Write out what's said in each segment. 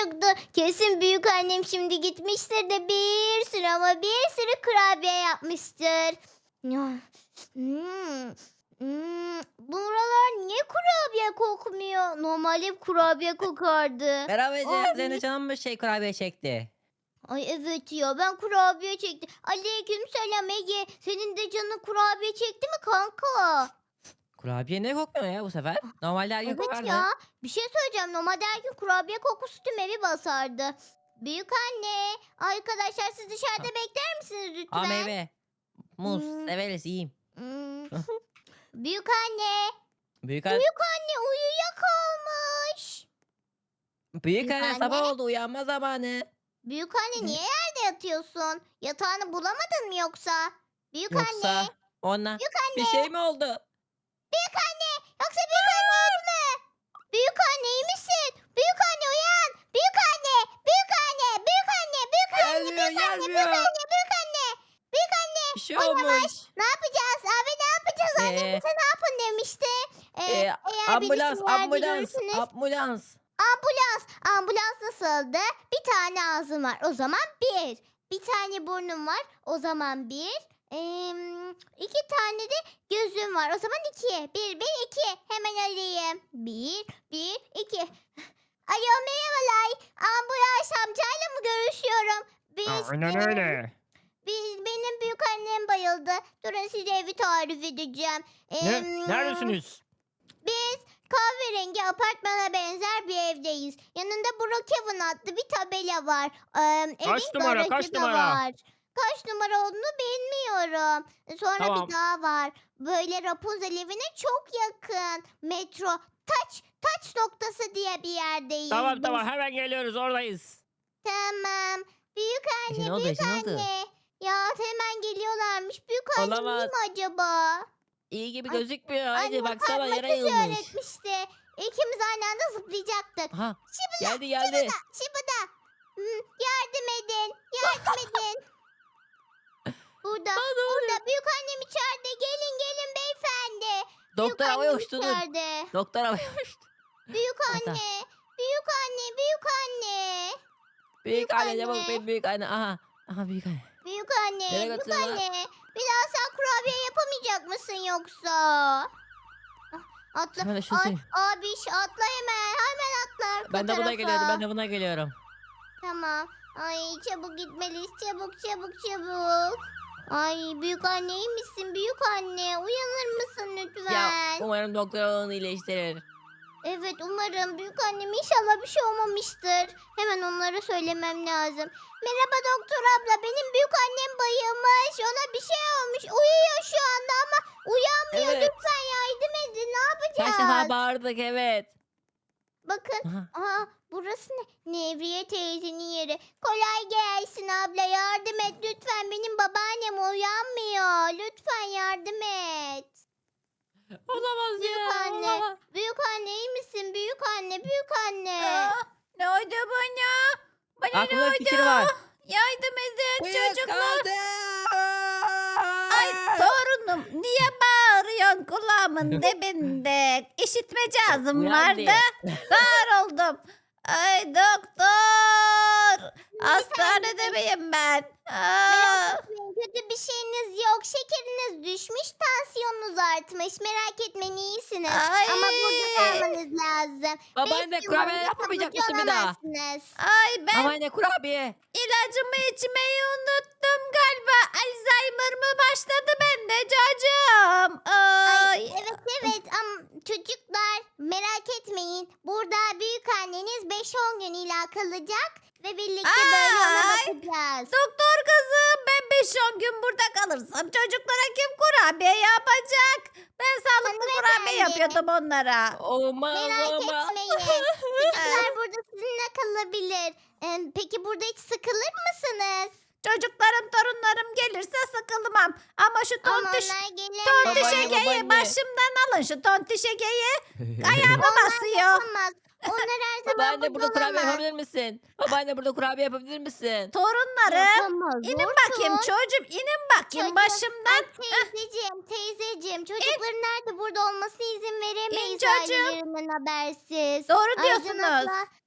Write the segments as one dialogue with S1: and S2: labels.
S1: çıktı. Kesin büyük annem şimdi gitmiştir de bir sürü ama bir sürü kurabiye yapmıştır. Ya, hmm, buralar niye kurabiye kokmuyor? Normalde hep kurabiye kokardı.
S2: Merhaba Ece. Senin de
S1: Abi.
S2: canın mı kurabiye çekti?
S1: Ay evet ya ben kurabiye çektim. Aleykümselam Ege. Senin de canın kurabiye çekti mi kanka?
S2: Kurabiye ne kokmuyor ya bu sefer? Normalde her gün
S1: Evet
S2: kokardı.
S1: ya. Bir şey söyleyeceğim. Normalde her gün kurabiye kokusu tüm evi basardı. Büyük anne. Arkadaşlar siz dışarıda
S2: Ha,
S1: bekler misiniz
S2: Aa
S1: lütfen?
S2: meyve. Muz.
S1: Hmm,
S2: Severiz yiyeyim.
S1: hmm. Büyük anne.
S2: Büyük anne,
S1: Büyük anne uyuyakalmış.
S2: büyük
S1: Büyük
S2: anne
S1: anne.
S2: sabah oldu uyanma zamanı.
S1: Büyük anne niye yerde yatıyorsun? Yatağını bulamadın mı yoksa? Büyük anne.
S2: Yoksa ona
S1: Büyük
S2: bir
S1: anne.
S2: şey mi oldu?
S1: Büyük anne. Yoksa büyük anne öldü mü? Büyük anne iyi misin? Büyük anne uyan. Büyük anne. Büyük anne. Büyük anne. Büyük anne.
S2: Gelmiyor
S1: Büyük anne. Büyük
S2: gelmiyor.
S1: anne. Büyük anne. Büyük anne.
S2: Bir şey
S1: Uyamaz.
S2: olmuş.
S1: Ne yapacağız? Abi ne yapacağız? Annem
S2: Ee,
S1: bize ne yapın demişti.
S2: e,
S1: Eğer beni
S2: ambulans
S1: sinyalde
S2: ambulans
S1: görürsünüz.
S2: ambulans.
S1: Ambulans. Ambulans nasıldı? Bir tane ağzım var. O zaman bir. Bir tane burnum var. O zaman bir. İki tane de gözüm var. O zaman iki. Bir, iki. Hemen arayayım. Bir, iki. Alo merhabalar. Ambulans amcayla mı görüşüyorum?
S3: Aynen öyle.
S1: Benim büyük annem bayıldı. Durun size evi tarif edeceğim.
S3: Ne? Neredesiniz?
S1: Biz kahverengi apartmana benzer bir evdeyiz. Yanında Brookhaven adlı bir tabela var.
S3: Kaç
S1: Evin
S3: numara? Kaç
S1: garajı da
S3: numara?
S1: var. Kaç numara olduğunu bilmiyorum. Sonra
S3: Tamam.
S1: bir daha var. Böyle Rapunzel evine çok yakın. Metro. Taç noktası diye bir yerdeyiz
S3: Tamam
S1: biz.
S3: tamam hemen geliyoruz oradayız.
S1: Tamam. Büyük
S2: Ece ne
S1: anne,
S2: oldu
S1: büyük
S2: Ece ne oldu?
S1: anne. Ya hemen geliyorlarmış. Büyük annem iyi
S2: Olamaz.
S1: mi acaba?
S2: İyi gibi
S1: Ay,
S2: gözükmüyor. Ece
S1: annem
S2: baksana yere
S1: makyaj
S2: yığılmış.
S1: öğretmişti. İkimiz aynı anda zıplayacaktık.
S2: Aha
S1: Şıbıda,
S2: geldi geldi.
S1: şıbıda. Yardım edin, yardım edin. Burada,
S2: Aa, ne oluyor?
S1: burada. Büyük annem içeride. Gelin beyefendi.
S2: Doktor
S1: Büyük
S2: havaya
S1: annem
S2: uçtu dur.
S1: içeride.
S2: Doktor havaya uçtu.
S1: Büyük
S2: Ha, tamam.
S1: anne, büyük anne, büyük anne.
S2: Büyük anne çabuk
S1: anne.
S2: büyük anne. Aha. Aha büyük anne.
S1: Büyük anne,
S2: Nereye
S1: büyük
S2: götürüyorlar?
S1: anne. Bir daha sen kurabiye yapamayacak mısın yoksa? Atla.
S2: Hemen de şunu
S1: Ay,
S2: söyleyeyim.
S1: abiş atla hemen atla arka
S2: Ben de buna geliyorum.
S1: tarafa.
S2: Ben de buna geliyorum.
S1: Tamam. Ay çabuk gitmeliyiz. Çabuk. Ay büyük anne iyi misin? Büyük anne uyanır mısın
S2: Ya
S1: lütfen?
S2: umarım doktor onu iyileştirir.
S1: Evet umarım büyük annem inşallah bir şey olmamıştır. Hemen onlara söylemem lazım. Merhaba doktor abla benim büyük annem bayılmış. Ona bir şey olmuş. Uyuyor şu anda ama uyanmıyor.
S2: Evet.
S1: Lütfen yardım edin. Ne
S2: Kaç defa
S1: yapacağız?
S2: bağırdık evet.
S1: Bakın.
S2: Aha.
S1: Aa, burası ne? Nevriye teyzenin yeri. Kolay gelsin abla yardım et lütfen. Benim babaannem uyanmıyor. Lütfen yardım et.
S2: Olamaz
S1: Büyük
S2: ya.
S1: anne.
S2: Olamaz.
S1: Büyük anne iyi misin? Büyük anne.
S4: Ne oldu bana? Bana ne
S2: Aklımda bir fikir
S4: oldu?
S2: var.
S4: Yardım edin çocuklar.
S2: Uyuyakaldım.
S4: Ay torunum niye bağırıyorsun kulağımın dibinde? İşitme cihazım
S2: Uyan
S4: vardı.
S2: diye.
S4: Sağır oldum. Ay doktor. Hastanede miyim ben?
S1: Merak
S4: Aa,
S1: etmeyin kötü bir şeyiniz yok. Şekeriniz düşmüş, tansiyonunuz artmış. Merak etmeyin iyisiniz.
S4: Ay.
S1: Ama burada kalmanız lazım.
S2: Babaanne
S1: 5 yıl
S2: kurabiye
S1: boyunca
S2: yapmayacak
S1: taburcu
S2: mısın bir daha?
S1: olamazsınız.
S4: ay ben
S2: Babaanne kurabiye.
S4: ilacımı içmeyi unuttum galiba. Alzheimer mı başladı bende çocuğum? Ay.
S1: Evet ama çocuklar merak etmeyin. Burada büyük anneniz 5-10 gün ila kalacak. Ve birlikte böyle ona
S4: Ay.
S1: bakacağız.
S4: Doktor kızım ben 5-10 gün burada kalırsam çocuklara kim kurabiye yapacak? Ben sağlıklı kurabiye
S1: Hanımefendi.
S4: yapıyordum onlara.
S2: Olmaz
S1: Merak
S2: olmaz.
S1: etmeyin. Çocuklar burada sizinle kalabilir. Peki burada hiç sıkılır mısınız?
S4: Çocuklarım torunlarım gelirse sıkılmam. Ama şu
S1: Ama
S4: tontiş,
S1: onlar gelemez.
S4: tontiş
S2: Babaanne,
S4: Ege'yi
S2: babaanne.
S4: başımdan alın şu tontiş Ege'yi. Ayağıma basıyor.
S1: Yapamaz. Onlar her zaman
S2: Babaanne burada kurabiye
S1: olamaz.
S2: yapabilir misin? Babaanne burada kurabiye yapabilir misin?
S4: Torunlarım.
S1: Yapamaz.
S4: İnin
S1: Orçun.
S4: bakayım çocuğum inin bakayım
S1: Çocuğum,
S4: başımdan.
S1: Teyzeciğim çocukların nerede burada olmasına izin veremeyiz
S4: çocuğum.
S1: ailelerinden habersiz.
S4: Doğru
S1: Aycan
S4: diyorsunuz.
S1: abla,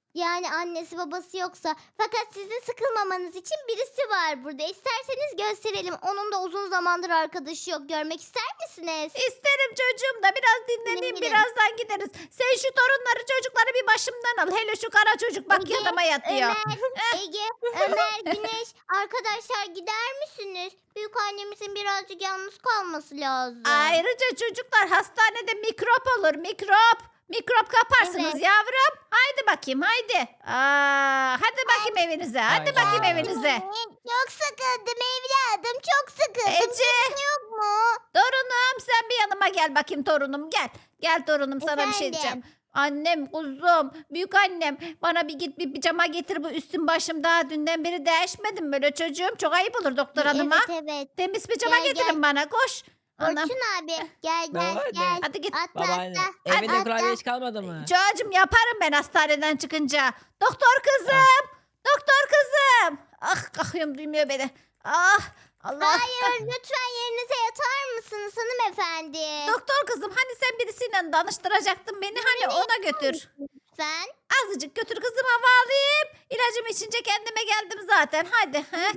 S1: Yani annesi babası yoksa. Fakat sizin sıkılmamanız için birisi var burada. İsterseniz gösterelim. Onun da uzun zamandır arkadaşı yok. Görmek ister misiniz?
S4: İsterim çocuğum da biraz dinleneyim,
S1: Gidin.
S4: birazdan gideriz. Sen şu torunları çocukları bir başımdan al. Hele şu kara çocuk bak
S1: Ege,
S4: yanıma yatıyor.
S1: Ömer, Ege, Ömer, Güneş. Arkadaşlar gider misiniz? Büyük annemizin birazcık yalnız kalması lazım.
S4: Ayrıca çocuklar hastanede mikrop olur, mikrop. Mikrop kaparsınız
S1: Evet.
S4: yavrum. Haydi bakayım haydi. Hadi bakayım evinize. Hadi
S2: Ay,
S4: bakayım
S2: ay.
S4: evinize.
S1: Çok sıkıldım evladım. Çok sıkıldım.
S4: Ece.
S1: Kimse yok mu?
S4: Torunum sen bir yanıma gel bakayım torunum gel. Gel torunum sana bir şey
S1: Efendim?
S4: diyeceğim. Annem, kuzum, büyük annem bana bir git bir pijama getir bu üstüm başım daha dünden beri değişmedim böyle çocuğum. Çok ayıp olur doktor hanıma.
S1: Evet evet.
S4: Temiz pijama
S1: Gel,
S4: getirin bana koş. Anam.
S1: Orçun abi gel gel
S2: Babaanne.
S1: gel.
S4: Hadi git.
S1: Atla
S2: Babaanne.
S1: atla.
S2: Evinde
S1: atla.
S2: kurabiye hiç kalmadı mı?
S4: Çocuğum yaparım ben hastaneden çıkınca. Doktor kızım. Doktor kızım. Ah kalkıyorum duymuyor beni. Ah Allah.
S1: Hayır lütfen yerinize yatar mısınız hanımefendi?
S4: Doktor kızım hani sen birisiyle danıştıracaktın beni hani ona götür.
S1: Lütfen.
S4: Azıcık götür kızım hava alayım. İlacımı içince kendime geldim zaten. Hadi.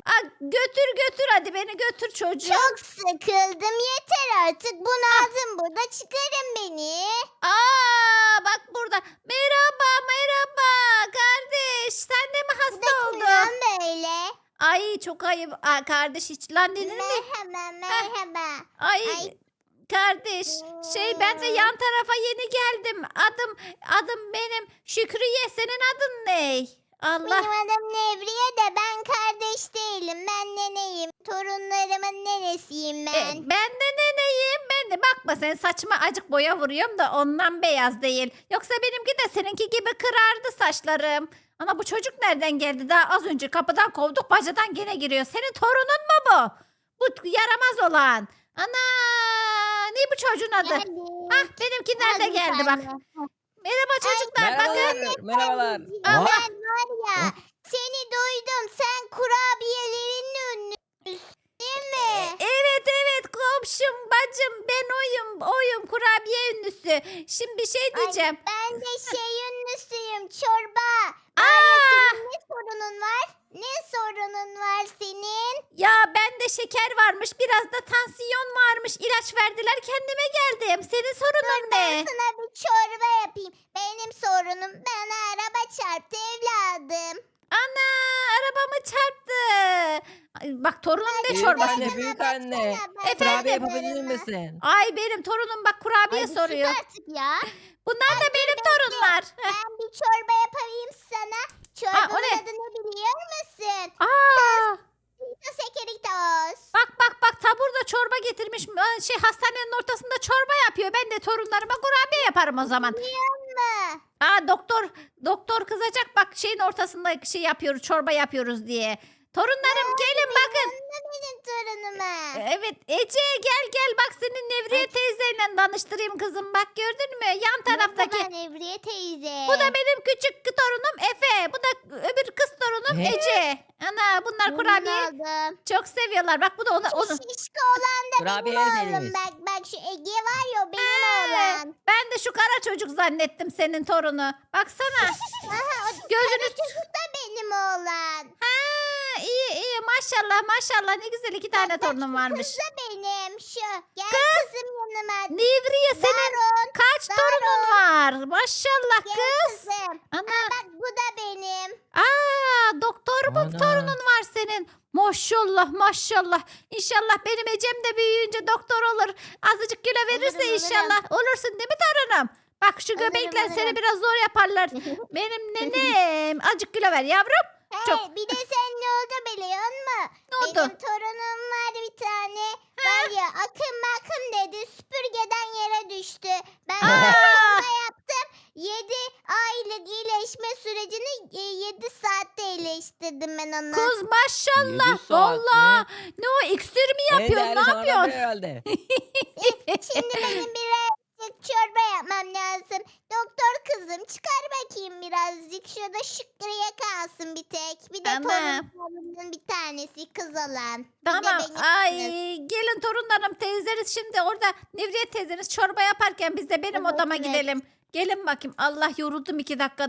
S4: Götür hadi beni götür çocuğum.
S1: Çok sıkıldım yeter artık. Bunaldım burada çıkarın beni.
S4: Bak burada. Merhaba kardeş. Sen de mi hasta oldun?
S1: Kimden böyle?
S4: Ay çok ayıp. Kardeş hiç lan dedin mi?
S1: Merhaba.
S4: Ay,
S1: Ay.
S4: kardeş ben de yan tarafa yeni geldim. Adım benim Şükriye. Senin adın ne? Allah.
S1: Benim adım Nevriye de ben kardeş değilim. Ben neneyim. Torunlarımın nenesiyim ben.
S4: Ben de neneyim. Ben de bakma sen saçma acık boya vuruyorum da ondan beyaz değil. Yoksa benimki de seninki gibi kırardı saçlarım. Ana bu çocuk nereden geldi? Daha az önce kapıdan kovduk bacadan gene giriyor. Senin torunun mu bu? Bu yaramaz olan. Ana ne bu çocuğun adı?
S1: Geldim.
S4: Benimki nerede
S1: Hadi
S4: geldi
S1: sen
S4: bak.
S1: de.
S4: Merhaba çocuklar bakın.
S2: Merhabalar.
S4: Allah.
S1: Ben var ya seni duydum. Sen kurabiyelerin ünlüsün değil mi?
S4: Evet komşum bacım ben oyum kurabiye ünlüsü. Şimdi bir şey diyeceğim.
S1: Ben de ünlüsüyüm. Çorba.
S4: Aa,
S1: Senin ne sorunun var? Ne sorunun var senin?
S4: ya bende şeker varmış biraz da tansiyon varmış. İlaç verdiler kendime geldim. Senin sorunun
S1: Ben
S4: ne?
S1: sana bir çorba yapayım. Benim sorunum bana araba çarptı evladım.
S4: Ana arabamı çarptı. Ay, bak torunum ne
S2: Büyük
S4: çorbası.
S2: anne, büyük anne.
S1: Ben
S2: Kurabiye
S1: sana
S2: yapabilir
S1: yaparım.
S2: misin?
S4: Ay benim torunum bak kurabiye
S1: Ay, bir
S4: soruyor.
S1: sus artık ya.
S4: Bunlar da benim torunlar.
S1: Ben bir çorba yapayım sana.
S4: o
S1: Çorbanın
S4: ne?
S1: adını biliyor musun?
S4: Aa,
S1: Sekeritos.
S4: bak tabur da çorba getirmiş. Hastanenin ortasında çorba yapıyor. Ben de torunlarıma kurabiye yaparım o zaman.
S1: Biliyor musun?
S4: Doktor kızacak bak şeyin ortasında yapıyoruz çorba yapıyoruz diye. Torunlarım gelin bakın.
S1: Benim torunuma.
S4: Evet Ece gel bak senin Nevriye teyzeyle danıştırayım kızım. Bak gördün mü yan taraftaki.
S1: Merhaba Nevriye teyze.
S4: Bu da benim küçük torunum Efe. Bu da öbür kız torunum
S2: Ne?
S4: Ece. Ana bunlar
S1: Memnun
S4: kurabiye
S1: oldum.
S4: çok seviyorlar. Bak bu da onun.
S1: Şu şişko olan da
S2: Kurabiye
S1: benim
S2: en
S1: oğlum.
S2: sevdiğimiz.
S1: Bak şu Ege var ya o benim
S4: He.
S1: oğlan.
S4: Ben de şu kara çocuk zannettim senin torunu. Baksana.
S1: Aha, o
S4: Gözünü
S1: çocuk da benim oğlan.
S4: iyi maşallah ne güzel iki tane torunum varmış.
S1: Kız da benim şu. Gel kızım yanıma.
S4: Nevriye senin
S1: Darun.
S4: kaç torunun var? Maşallah
S1: Gel
S4: kız.
S1: kızım.
S4: Ana.
S1: Bak bu da benim.
S4: Doktor mu
S2: Ana.
S4: torunun var senin? Maşallah. İnşallah benim Ecem de büyüyünce doktor olur. Azıcık kilo verirse
S1: Olurum.
S4: inşallah. Olursun değil mi torunum? Bak şu
S1: Olurum,
S4: göbekler seni
S1: olurum.
S4: biraz zor yaparlar. Benim nenem. Azıcık kilo ver yavrum.
S1: Hey, bir de sen ne oldu biliyor musun?
S4: Ne oldu?
S1: Benim torunum var bir tane. Var ya akım dedi süpürgeden yere düştü. Ben
S4: Aa!
S1: torunuma yaptım. 7 aylık iyileşme sürecini 7 saatte iyileştirdim ben onu.
S4: Kız maşallah.
S2: 7 saat
S4: Valla.
S2: mi?
S4: Ne o iksir mi
S2: En
S4: yapıyor?
S2: değerli
S4: Ne
S2: sanatlar
S4: yapıyorsun?
S2: herhalde.
S1: Şimdi benim birazcık çorba yapmam lazım. Doktor kızım çıkar bakayım birazcık. Şurada Şükrü'ye kalsın bir tek. Bir de
S4: Tamam.
S1: torunlarımın bir tanesi kız olan. Bir de
S4: Tamam.
S1: benim
S4: Ay
S1: kızım.
S4: gelin torunlarım teyzeniz şimdi orada Nevriye teyzeniz çorba yaparken biz de benim
S1: Evet,
S4: odama
S1: evet.
S4: gidelim. Gelin bakayım. Allah yoruldum 2 dakikada.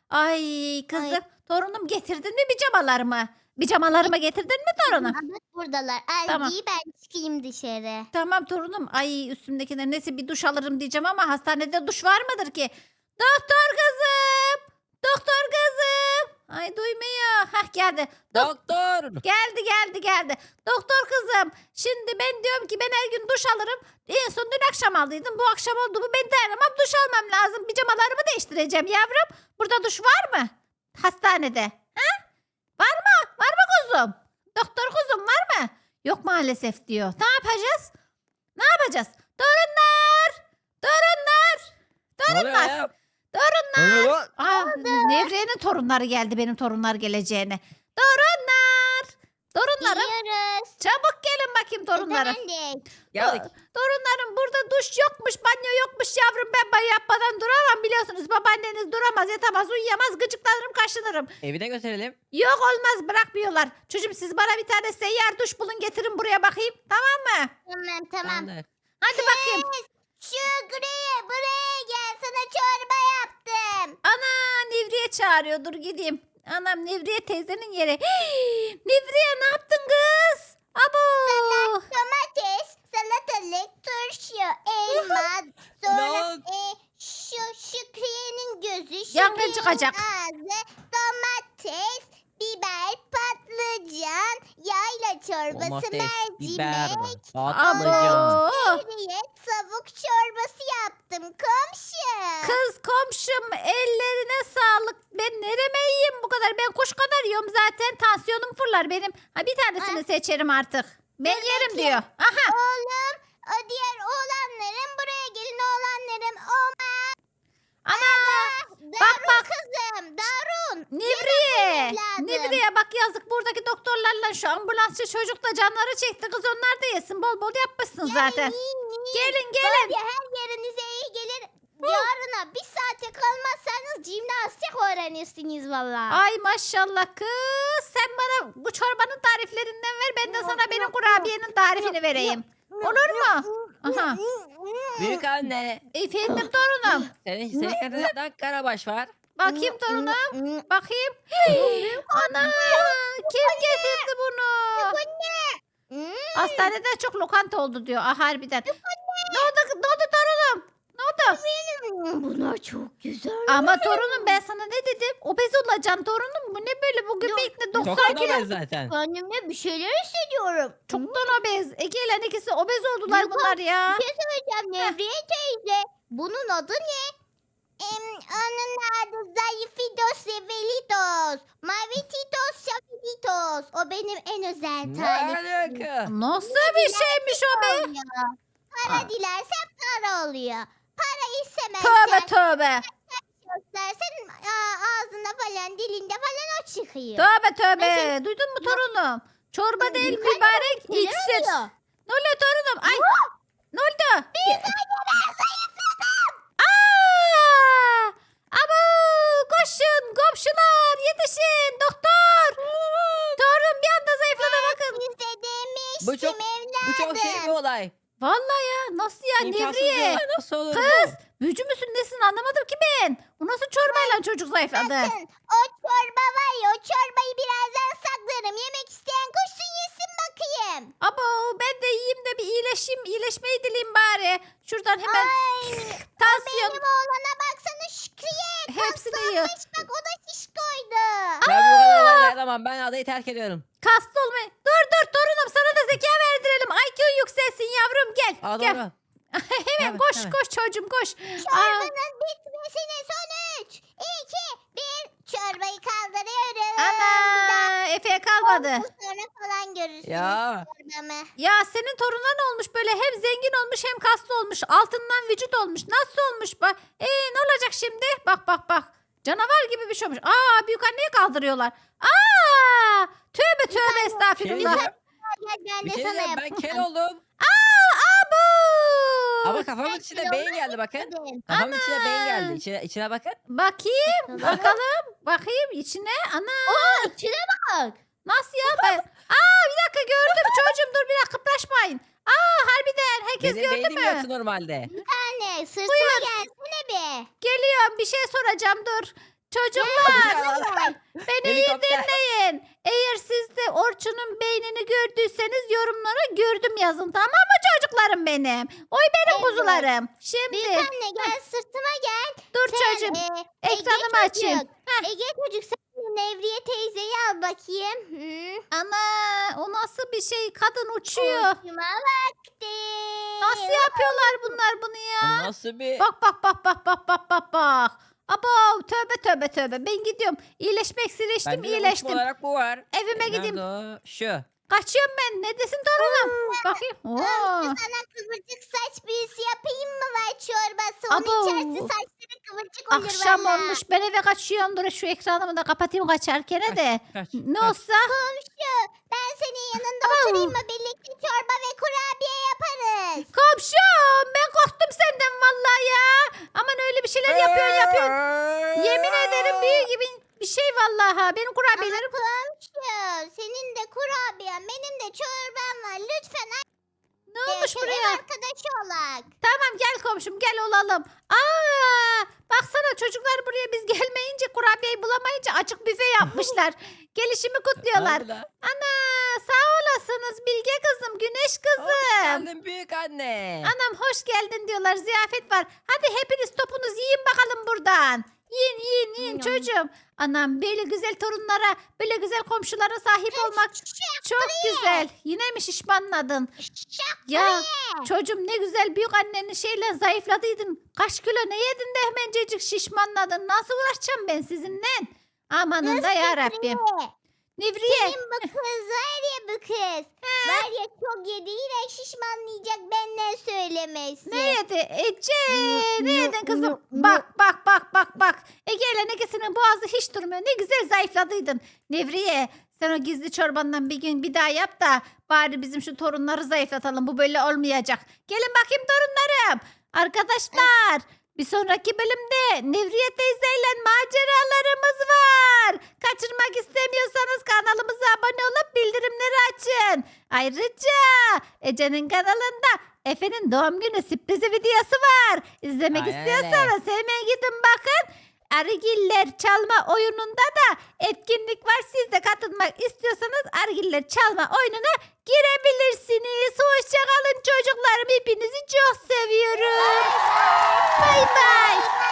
S4: Ay kızım torunum getirdin mi pijamalarımı? Pijamalarımı getirdin mi torunum?
S1: Bak buradalar. Al
S4: Tamam.
S1: giy ben çıkayım dışarı.
S4: Tamam torunum. Ay üstümdekiler neyse bir duş alırım diyeceğim ama hastanede duş var mıdır ki? Doktor kızım! Doktor kızım! Ay duymuyor. Hah geldi.
S2: Doktor.
S4: Geldi. Doktor kızım. Şimdi ben diyorum ki ben her gün duş alırım. En son dün akşam aldıydım. Bu akşam oldu mu ben dayanamam. Duş almam lazım. Pijamalarımı değiştireceğim yavrum. Burada duş var mı? Hastanede. Ha? Var mı? Var mı kuzum? Doktor kuzum var mı? Yok maalesef diyor. Ne yapacağız? Ne yapacağız? Torunlar! Torunlar!
S2: Ne oluyor
S4: Torunlar!
S2: ya?
S4: Torunlar!
S3: Ne oluyor?
S4: Aa, Nevriye'nin torunları geldi benim torunlar geleceğine. Torunlar! Torunlarım
S1: Giyiyoruz.
S4: çabuk gelin bakayım torunlarım.
S1: Efendim.
S2: Geldik.
S4: Torunlarım burada duş yokmuş, banyo yokmuş yavrum. Ben banyo yapmadan duramam biliyorsunuz. Babaanneniz duramaz, yatamaz, uyuyamaz. Gıcıklanırım, kaşınırım.
S2: Evine götürelim.
S4: Yok olmaz bırakmıyorlar. Çocuğum siz bana bir tane seyyar duş bulun getirin buraya bakayım. Tamam mı?
S1: Tamam.
S2: Tamamdır.
S4: Hadi bakayım.
S1: Şükrü buraya gel sana çorba yaptım.
S4: Ana Nevriye çağırıyor. Dur gideyim. Anam Nevriye teyzenin yeri. Nevriye ne yaptın kız? Abo.
S1: Domates, salatalık, turşu, elma,
S2: Ne
S1: sonra
S2: oldu?
S1: şu Şükriye'nin gözü,
S4: Yangın
S1: Şükriye'nin
S4: çıkacak.
S1: ağzı, domates, biber, patlıcan, yayla çorbası,
S2: Domates, biber,
S1: mercimek,
S2: patlıcan.
S4: Abo.
S1: Şükriye, tavuk çorbası yaptım komşu.
S4: Kız komşum ellerine sağlık. Ben nereme yiyeyim bu kadar? Ben kuş kadar yiyorum zaten. Tansiyonum fırlar benim. Ha bir tanesini seçerim artık. Ben yerim
S1: bakayım.
S4: diyor. Aha.
S1: Oğlum, o diğer oğlanlarım buraya gelin oğlanlarım.
S4: Ana.
S1: Darun
S4: bak.
S1: kızım, Darun.
S4: Nevriye.
S1: evladım.
S4: Nevriye bak yazık buradaki doktorlarla şu ambulansçı çocuk da canları çekti. Kız onlar da yesin. Bol bol yapmışsın zaten. Gelin gelin.
S1: Böyle her yerinize iyi gelir. Yarına bir saate kalmazsanız jimnastik öğrenirsiniz valla.
S4: Ay maşallah kız. Sen bana bu çorbanın tariflerinden ver. Ben de sana benim kurabiyenin tarifini vereyim. Olur mu? Aha.
S2: Büyük anne.
S4: Efendim torunum.
S2: Senin kadar karabaş var.
S4: Bakayım torunum. Bakayım. Ana. Kim getirdi bunu? Hastanede çok lokanta oldu diyor. Ah harbiden. Ne oldu torunum? Ne oldu?
S1: Bunlar çok güzel.
S4: Ama torunum ben sana ne dedim? Obez olacaksın torunum. Bu ne böyle bu göbekli 90
S2: Çok
S4: kilo.
S2: obez zaten.
S1: Kendimde bir şeyler hissediyorum.
S4: Çoktan obez. Ege'yle ikisi obez oldular
S1: Yok,
S4: bunlar ya.
S1: Hocam Nevriye teyze. Bunun adı ne? Onun adı Zayıfidos Sevelitos. Mavititos Şafiditos. O benim en özel
S2: Ne
S1: tarifim.
S2: alaka?
S4: Nasıl bir şeymiş o be?
S1: Oluyor. Para
S4: Aa.
S1: dilersen para oluyor. Para
S4: Tövbe
S1: istemezsen
S4: tövbe.
S1: göstersen ağzında falan dilinde falan o çıkıyor.
S4: Tövbe tövbe. Duydun mu torunum? Çorba değil mübarek
S1: Neler
S4: iksir.
S1: oluyor?
S4: Ne oluyor torunum? Ay. Ne oldu? Aa! Abo! Koşun komşular yetişin doktor. Torun bir anda zayıfladı bakın.
S1: Size
S2: Bu
S1: demiştim
S2: çok- Bu çok şey bir olay.
S4: Vallahi ya nasıl ya
S2: İmkansız
S4: Nevriye?
S2: bir olay. Nasıl olur
S4: Kız
S2: bu?
S4: büyücü müsün nesin anlamadım ki ben. Bu nasıl çorbayla çocuk zayıfladı?
S1: Bakın o çorba var ya o çorbayı birazdan saklarım. Yemek isteyen koşsun yesin bakayım.
S4: Abo ben de yiyeyim de bir iyileşeyim. İyileşmeyi dileyim bari. Şuradan hemen
S1: Ay,
S4: tansiyon
S1: benim oğlana baksana Şükriye.
S4: hepsini yiyor.
S1: Bak o da şiş koydu.
S2: Ben bu kadar olaya dayanamam. Ben adayı terk ediyorum.
S4: Kaslı olmayı. Dur torunum sana da zeka verdirelim. IQ yükselsin yavrum gel.
S2: Aa
S4: gel.
S2: doğru.
S4: Hemen
S2: Evet,
S4: koş
S2: evet.
S4: koş çocuğum koş. Aa,
S1: Çorbanın bitmesine son 3, 2, 1. Çorbayı kaldırıyorum.
S4: ana Efe'ye kalmadı.
S1: Sonra falan görürsünüz
S2: Ya.
S1: çorbamı.
S4: Ya senin torunun olmuş böyle hem zengin olmuş hem kaslı olmuş. Altından vücut olmuş. Nasıl olmuş bak. Ne olacak şimdi? Bak. Canavar gibi bir şey olmuş. Aa büyük anneyi kaldırıyorlar. Aa tövbe tövbe
S2: Şey
S4: estağfirullah.
S2: diyeceğim.
S1: Gel ben
S2: Bir
S1: de
S2: şey
S1: sana
S2: diyeceğim. Ben
S1: yapayım.
S2: kel oldum.
S4: Abu.
S2: Ama kafamın içine beyin geldi bakın.
S1: Dedim.
S2: Kafamın içine beyin geldi. İçine bakın.
S4: Bakayım bakayım içine. Ana
S1: İçine bak.
S4: nasıl ya ben? Bir dakika gördüm çocuğum dur bir dakika kıpraşmayın. Harbiden herkes
S2: Benim
S4: gördü
S2: beynim
S4: mü?
S2: yoktu normalde.
S1: Anne sırtıma gelsene be.
S4: Geliyorum bir şey soracağım dur. Çocuklar beni iyi
S2: Helikopter.
S4: dinleyin. Eğer siz de Orçun'un beynini gördüyseniz yorumlara gördüm yazın, tamam mı çocuklarım benim? Oy benim
S1: Evet.
S4: kuzularım.
S1: Büyük
S4: Şimdi
S1: anne gel sırtıma gel.
S4: dur
S1: Sen,
S4: çocuğum.
S1: Ege
S4: Ekranımı açayım.
S1: çocuk. Ege çocuk sen Nevriye teyzeyi al bakayım. Hı.
S4: Ana o nasıl bir şey? Kadın uçuyor.
S1: Uçma vakti.
S4: Nasıl yapıyorlar bunlar bunu ya?
S2: Bu nasıl bir...
S4: Bak bak bak bak bak bak bak bak. Abo tövbe tövbe tövbe. Ben gidiyorum. İyileşmek iyileştim
S2: Bende de uçma
S4: iyileştim.
S2: olarak bu var.
S4: Evime gideyim.
S2: Nerede o? Şu.
S4: Kaçıyorum ben. Neredesin torunum? Bakayım. Oo.
S1: Sana kıvırcık saç büyüsü yapayım mı var çorbası? Onu
S4: Abo.
S1: içersin saçları kıvırcık olur
S4: Akşam
S1: valla.
S4: olmuş. Ben eve kaçıyorum. Dur şu ekranımı da kapatayım kaçarken de.
S2: Kaç.
S4: Ne
S2: kaç.
S4: olsa.
S1: Komşu ben senin yanında oturayım mı? Birlikte çorba ve kurabiye yaparız.
S4: Komşum ben korktum senden vallahi ya. Aman öyle bir şeyler yapıyorsun. Yemin ederim büyü gibi bir şey vallahi. Ha. Benim kurabiyelerim.
S1: Komşu senin de kurabiyen benim de çorbam var. Lütfen
S4: Ne olmuş
S1: ev
S4: buraya?
S1: arkadaşı olak.
S4: Tamam gel komşum gel olalım. Aa, baksana çocuklar buraya biz gelmeyince kurabiyeyi bulamayınca açık büfe yapmışlar. Gelişimi kutluyorlar.
S2: Ne oldu lan?
S4: Ana sağ olasınız Bilge kızım, Güneş
S2: Hoş
S4: kızım.
S2: geldin büyük anne.
S4: Anam hoş geldin diyorlar, ziyafet var. Hadi hepiniz topunuzu yiyin bakalım buradan. Yiyin yiyin yiyin çocuğum. Anam böyle güzel torunlara, böyle güzel komşulara sahip olmak çok güzel. Yine mi şişmanladın?
S1: Şak
S4: Ya çocuğum ne güzel büyük annenin şeyle zayıfladıydın. Kaç kilo ne yedin de hemencecik şişmanladın. Nasıl uğraşacağım ben sizinle? Amanın da yarabbim. Nevriye.
S1: Senin bu kız var ya bu kız. Var ya çok yediğiyle şişmanlayacak benden söylemesin.
S4: Ne yedi? Ece ne
S1: Nı,
S4: yedin kızım?
S1: nı, nı.
S4: Bak bak bak bak bak. Ege ile Nege'sinin boğazı hiç durmuyor. Ne güzel zayıfladıydın. Nevriye sen o gizli çorbandan bir gün bir daha yap da bari bizim şu torunları zayıflatalım. Bu böyle olmayacak. Gelin bakayım torunlarım. Arkadaşlar bir sonraki bölümde Nevriye teyzeyle maceralarımız var. Kaçırmak istemiyorsanız kanalımıza abone olup bildirimleri açın. Ayrıca Ece'nin kanalında Efe'nin doğum günü sürprizi videosu var. İzlemek
S2: Aynen
S4: istiyorsanız hemen gidin bakın. Argiller çalma oyununda da etkinlik var. Siz de katılmak istiyorsanız Argiller çalma oyununa girebilirsiniz. Hoşçakalın çocuklarım. Hepinizi çok seviyorum. Bay bay.